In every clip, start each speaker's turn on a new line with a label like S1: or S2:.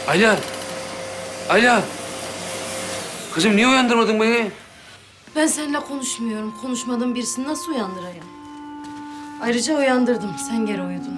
S1: Ayla. Ayla. Kızım niye uyandırmadın beni?
S2: Ben seninle konuşmuyorum. Konuşmadığım birisini nasıl uyandırayım? Ayrıca uyandırdım. Sen geri uyudun.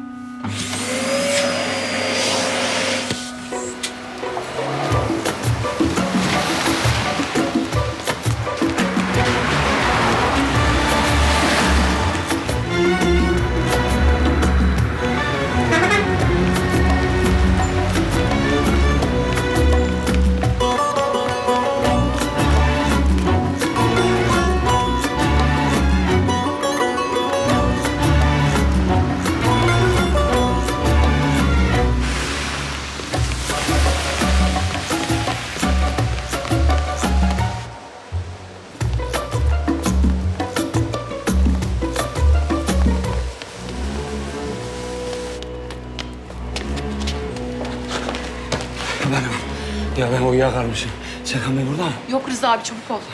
S1: Ben uyuyakalmışım. Serkan Bey burada mı?
S3: Yok Rıza abi, çabuk ol.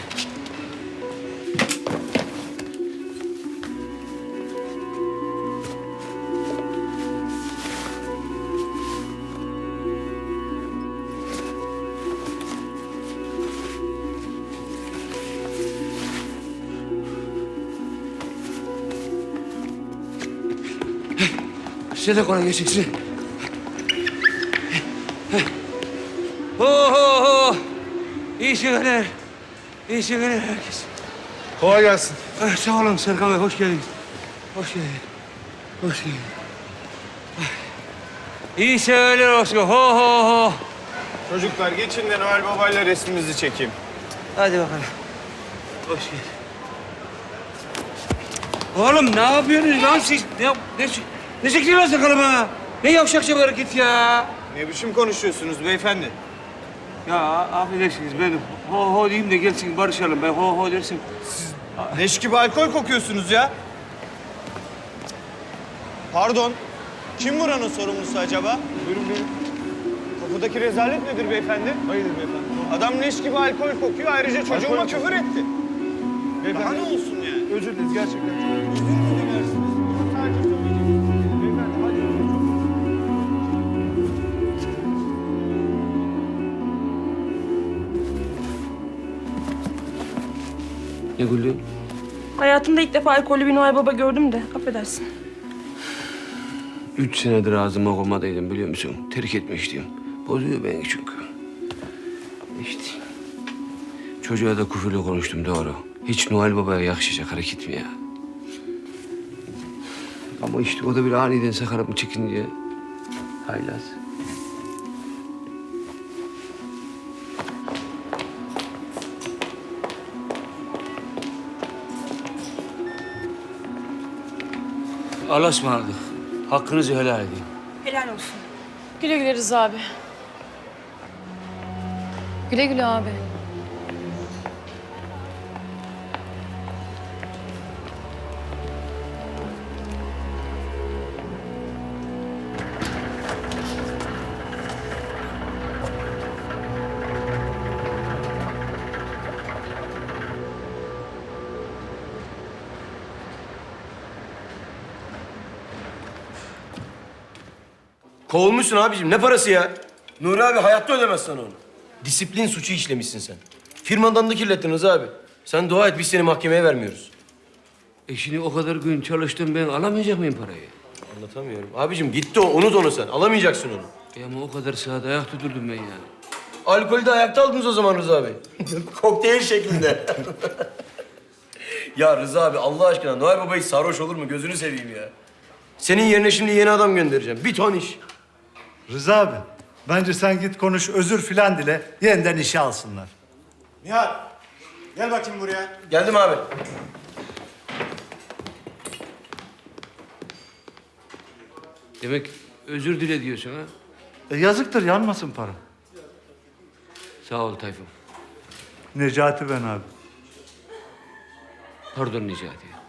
S1: Size de kolay gelsin size. Ho ho ho. İyi şekerler. İyi şekerler herkes.
S4: Kolay gelsin.
S1: Sağ olun Serkan Bey, hoş geldiniz. Hoş geldin. Hoş geldin. İyi şekerler olsun. Ho ho ho.
S4: Çocuklar geçin de Noel Baba'yla resmimizi çekeyim.
S1: Hadi bakalım. Hoş geldin. Oğlum ne yapıyorsunuz lan siz? Ne çekiyorsun sakalım ha? Ne yavşakça bir hareket ya?
S4: Ne biçim konuşuyorsunuz beyefendi?
S1: Ya affedersiniz ben ho ho diyeyim de gelsin barışalım. Ben ho ho dersim.
S4: Leş gibi alkol kokuyorsunuz ya. Pardon. Kim buranın sorumlusu acaba? Buyurun buyurun. Kapıdaki rezalet nedir beyefendi? Hayırdır beyefendi? Adam leş gibi alkol kokuyor. Ayrıca çocuğuma küfür etti. Beyefendi. Daha ne olsun yani? Özür dileriz gerçekten. Özür mü dilersiniz? Bunu sadece söyleyeceksiniz. Beyefendi hadi özür dilerim.
S1: Ne gülüyorsun?
S3: Hayatımda ilk defa alkollü bir Noel Baba gördüm de, affedersin.
S1: 3 senedir ağzıma koymadaydım biliyor musun? Terk etmiştim. Bozuyor beni çünkü. İşte. Çocuğa da küfürlü konuştum doğru. Hiç Noel Baba'ya yakışacak hareket mi ya? Ama işte o da bir aniden sakarım çekince. Haylaz. Allah'a ısmarladık. Hakkınızı helal edin.
S3: Helal olsun.
S2: Güle güle Rıza abi.
S5: Güle güle abi.
S6: Kovulmuşsun abicim. Ne parası ya? Nuri abi hayatta ödemez sana onu. Disiplin suçu işlemişsin sen. Firmadan da kirlettin Rıza abi. Sen dua et biz seni mahkemeye vermiyoruz.
S1: Şimdi o kadar gün çalıştım ben alamayacak mıyım parayı?
S6: Anlatamıyorum. Abicim gitti o. Unut onu sen. Alamayacaksın onu.
S1: Ama o kadar saat ayakta durdum ben ya.
S6: Alkolü de ayakta aldınız o zaman Rıza abi. Kokteyl şeklinde. Ya Rıza abi Allah aşkına Noel Baba hiç sarhoş olur mu? Gözünü seveyim ya. Senin yerine şimdi yeni adam göndereceğim. Bir ton iş.
S7: Rıza abi, bence sen git konuş, özür filan dile, yeniden işe alsınlar.
S4: Nihat, gel bakayım buraya.
S6: Geldim abi.
S1: Demek özür dile diyorsun ha?
S7: Yazıktır, yanmasın para.
S1: Sağ ol Tayfun.
S7: Necati ben abi.
S1: Pardon Necati.